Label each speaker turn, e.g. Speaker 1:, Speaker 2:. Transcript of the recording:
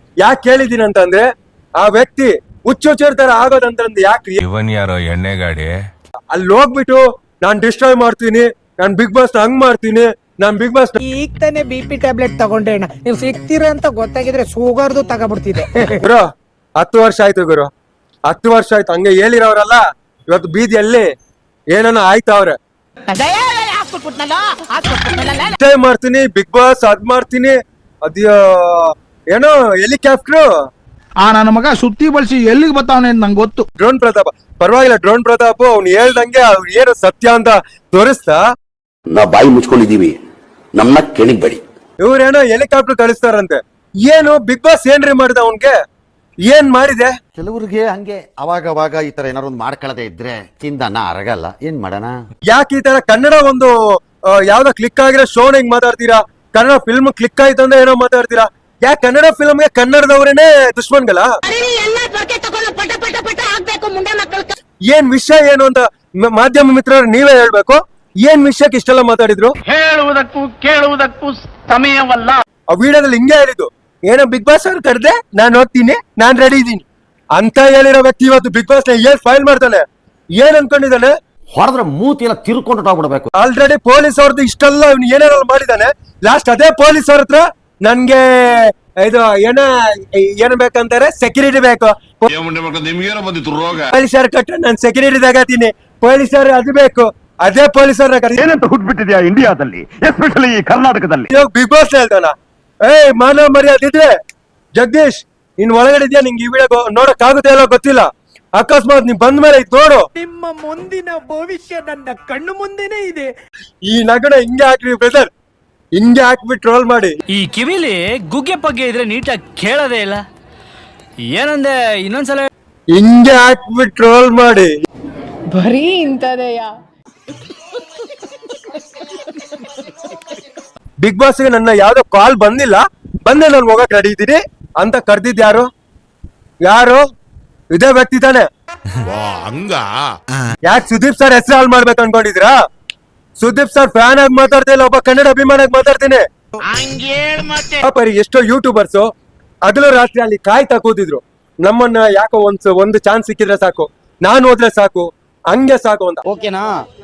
Speaker 1: ಯಾಕೆ ಕೇಳಿದೀನಿ ಅಂತಂದ್ರೆ ಆ ವ್ಯಕ್ತಿ ಹುಚ್ಚುಚ್ಚಿರ್ತಾರ ಆಗೋದಂತಂದ್ರೆ ಯಾಕೆ
Speaker 2: ಇವನ್ ಯಾರೋ ಎಣ್ಣೆ ಗಾಡಿ
Speaker 1: ಅಲ್ಲಿ ಹೋಗ್ಬಿಟ್ಟು ನಾನ್ ಡಿಸ್ಟ್ರಾಯ್ ಮಾಡ್ತೀನಿ, ನಾನ್ ಬಿಗ್ ಬಾಸ್ ಹಂಗ್ ಮಾಡ್ತೀನಿ, ನಾನ್ ಬಿಗ್ ಬಾಸ್
Speaker 3: ಈಗ ತಾನೇ BP ಟ್ಯಾಬ್ಲೆಟ್ ತಗೊಂಡೆ ಅಣ್ಣ. ನೀವು ಸಿಗ್ತೀರ ಅಂತ ಗೊತ್ತಾಗಿದ್ರೆ ಶುಗರ್ದು ತಗೊಬಿಡ್ತಿದೆ.
Speaker 1: ಗುರು 10 ವರ್ಷ ಆಯ್ತು ಗುರು, 10 ವರ್ಷ ಆಯ್ತು. ಹಂಗೆ ಹೇಳಿರೋರಲ್ಲ ಇವತ್ತು ಬೀದಿಯಲ್ಲಿ ಏನನ್ನ ಆಯ್ತವ್ರೆ. ಮಾಡ್ತೀನಿ ಬಿಗ್ ಬಾಸ್ ಅದ್ ಮಾಡ್ತೀನಿ, ಅದ್ ಏನೋ ಹೆಲಿಕಾಪ್ಟರ್
Speaker 4: ನನ್ನ ಮಗ ಸುತ್ತಿ ಬಳಸಿ ಎಲ್ಲಿಗೆ ಬರ್ತಾವನೆ ಅಂತ ನಂಗೆ ಗೊತ್ತು.
Speaker 1: ಡ್ರೋನ್ ಪ್ರತಾಪ್ ಪರವಾಗಿಲ್ಲ, ಡ್ರೋನ್ ಪ್ರತಾಪ್ ಅವ್ನು ಹೇಳ್ದಂಗೆ ಅವ್ನು ಏನು ಸತ್ಯ ಅಂತ ತೋರಿಸ್ತಾ
Speaker 5: ನಾ ಬಾಯಿ ಮುಚ್ಕೊಂಡಿದೀವಿ, ನಮ್ಮನ್ನ ಕೆಣಿಗ್ಬೇಡಿ.
Speaker 1: ಇವ್ರೇನೋ ಹೆಲಿಕಾಪ್ಟರ್ ಕಳಿಸ್ತಾರಂತೆ. ಏನು ಬಿಗ್ ಬಾಸ್ ಏನ್ರಿ ಮಾಡಿದ ಅವನ್ಗೆ, ಏನ್ ಮಾಡಿದೆ?
Speaker 6: ಕೆಲವ್ರಿಗೆ ಹಂಗೆ ಅವಾಗ ಈ ತರ ಏನಾರು ಒಂದು ಮಾಡ್ಕೊಳ್ಳದೆ ಇದ್ರೆ ಚಿಂದನ ಅರಗಲ್ಲ, ಏನ್ ಮಾಡೋಣ?
Speaker 1: ಯಾಕೆ ಈ ತರ ಕನ್ನಡ ಒಂದು ಯಾವ್ದೋ ಕ್ಲಿಕ್ ಆಗಿರೋ ಶೋನ್ ಹಿಂಗ್ ಮಾತಾಡ್ತೀರಾ? ಕನ್ನಡ ಫಿಲ್ಮ್ ಕ್ಲಿಕ್ ಆಯ್ತು ಅಂದ್ರೆ ಏನೋ ಮಾತಾಡ್ತೀರಾ? ಯಾಕೆ ಕನ್ನಡ ಫಿಲ್ಮ್ಗೆ ಕನ್ನಡದವ್ರೇನೆ ದುಶ್ಮನ್ಗಳ? ಏನ್ ವಿಷಯ ಏನು ಅಂತ ಮಾಧ್ಯಮ ಮಿತ್ರರು ನೀವೇ ಹೇಳ್ಬೇಕು. ಏನ್ ವಿಷಯಕ್ಕೆ ಇಷ್ಟೆಲ್ಲ ಮಾತಾಡಿದ್ರು?
Speaker 4: ಹೇಳುವುದಕ್ಕೂ ಕೇಳುವುದಕ್ಕೂ ಸಮಯವಲ್ಲ.
Speaker 1: ಆ ವಿಡಿಯೋದಲ್ಲಿ ಹಿಂಗೆ ಹೇಳಿದ್ದು, ಏನೋ ಬಿಗ್ ಬಾಸ್ ಅವ್ರು ಕರೆದೆ, ನಾನ್ ಹೋಗ್ತೀನಿ, ನಾನ್ ರೆಡಿ ಇದೀನಿ ಅಂತ ಹೇಳಿರೋ ವ್ಯಕ್ತಿ ಇವತ್ತು ಬಿಗ್ ಬಾಸ್ ನ ಏನ್ ಫೈಲ್ ಮಾಡ್ತಾನೆ, ಏನ್ ಅನ್ಕೊಂಡಿದ್ದಾನೆ?
Speaker 6: ಹೊಡೆದ್ರೆ ಮೂತಿ ಎಲ್ಲ ತಿರ್ಕೊಂಡು ಹೋಗ್ಬಿಡ್ಬೇಕು.
Speaker 1: ಆಲ್ರೆಡಿ ಪೊಲೀಸ್ ಅವ್ರದ್ದು ಇಷ್ಟೆಲ್ಲ ಏನೇನೋ ಮಾಡಿದಾನೆ. ಲಾಸ್ಟ್ ಅದೇ ಪೊಲೀಸ್ ಅವ್ರ ಹತ್ರ ನನ್ಗೆ ಇದು ಏನ್ ಬೇಕಂತಾರೆ, ಸೆಕ್ಯೂರಿಟಿ ಬೇಕು, ಪೊಲೀಸರು ಕಟ್ಟ ನಾನ್ ಸೆಕ್ಯೂರಿಟಿ ತಗತೀನಿ, ಪೊಲೀಸರು ಅದು ಬೇಕು, ಅದೇ ಪೊಲೀಸರ
Speaker 4: ಏನಂತ ಹುಟ್ಬಿಟ್ಟಿದ್ಯಾ ಇಂಡಿಯಾದಲ್ಲಿ, ಎಸ್ಪೆಷಲಿ ಕರ್ನಾಟಕದಲ್ಲಿ.
Speaker 1: ಬಿಗ್ ಬಾಸ್ ಹೇಳ್ತಾನ, ಮಾನವ ಮರ್ಯಾದೆ ಇದ್ರೆ ಜಗದೀಶ್ ನೀನ್ ಒಳಗಡೆ ಇದೆಯಾ, ನಿಂಗೆ ಈ ವಿಡಿಯೋ ನೋಡಕ್ ಆಗುತ್ತೆ ಇಲ್ಲ ಗೊತ್ತಿಲ್ಲ, ಅಕಸ್ಮಾತ್ ನೀನ್ ಬಂದ ಮೇಲೆ ಇದು ನೋಡು,
Speaker 3: ನಿಮ್ಮ ಮುಂದಿನ ಭವಿಷ್ಯ ನನ್ನ ಕಣ್ಣು ಮುಂದೆನೇ ಇದೆ.
Speaker 1: ಈ ನಗಡ ಹಿಂಗೆ ಹಾಕ್ರಿ ಬ್ರದರ್, ಹಿಂಗೆ ಹಾಕ್ಬಿಟ್ಟು ಟ್ರೋಲ್ ಮಾಡಿ.
Speaker 7: ಈ ಕಿವಿಲಿ ಗುಗ್ಗೆ ಪಗ್ಗೆ ಇದ್ರೆ ನೀಟಾಗಿ ಕೇಳೋದೇ ಇಲ್ಲ. ಏನಂದೆ ಇನ್ನೊಂದ್ಸಲ?
Speaker 1: ಹಿಂಗೆ ಹಾಕ್ಬಿಟ್ಟು ಟ್ರೋಲ್ ಮಾಡಿ.
Speaker 8: ಬರೀ ಇಂಥದೆಯಾ?
Speaker 1: ಬಿಗ್ ಬಾಸ್ಗೆ ನನ್ನ ಯಾವ್ದೋ ಕಾಲ್ ಬಂದಿಲ್ಲ, ಬಂದೆ ನಾನು ಹೋಗಕ್ ರೆಡಿ ಇದ್ದೀನಿ ಅಂತ ಕರ್ದಿದ್ ಯಾರು? ಇದೇ ವ್ಯಕ್ತಿ ತಾನೆ. ಯಾಕೆ ಸುದೀಪ್ ಸರ್ ಹೆಸರು ಹಾಳು ಮಾಡ್ಬೇಕು ಅನ್ಕೊಂಡಿದ್ರಾ? ಸುದೀಪ್ ಸರ್ ಫ್ಯಾನ್ ಆಗಿ ಮಾತಾಡ್ತಾ ಇಲ್ಲ, ಒಬ್ಬ ಕನ್ನಡ ಅಭಿಮಾನ ಆಗಿ ಮಾತಾಡ್ತೀನಿ. ಎಷ್ಟೋ ಯೂಟ್ಯೂಬರ್ಸ್ ಹಗಲು ರಾತ್ರಿ ಅಲ್ಲಿ ಕಾಯ್ತಾ ಕೂತಿದ್ರು, ನಮ್ಮನ್ನ ಯಾಕೋ ಒಂದು ಚಾನ್ಸ್ ಸಿಕ್ಕಿದ್ರೆ ಸಾಕು, ನಾನು ಹೋದ್ರೆ ಸಾಕು, ಹಂಗೆ ಸಾಕು ಅಂತ.
Speaker 3: ಓಕೆನಾ?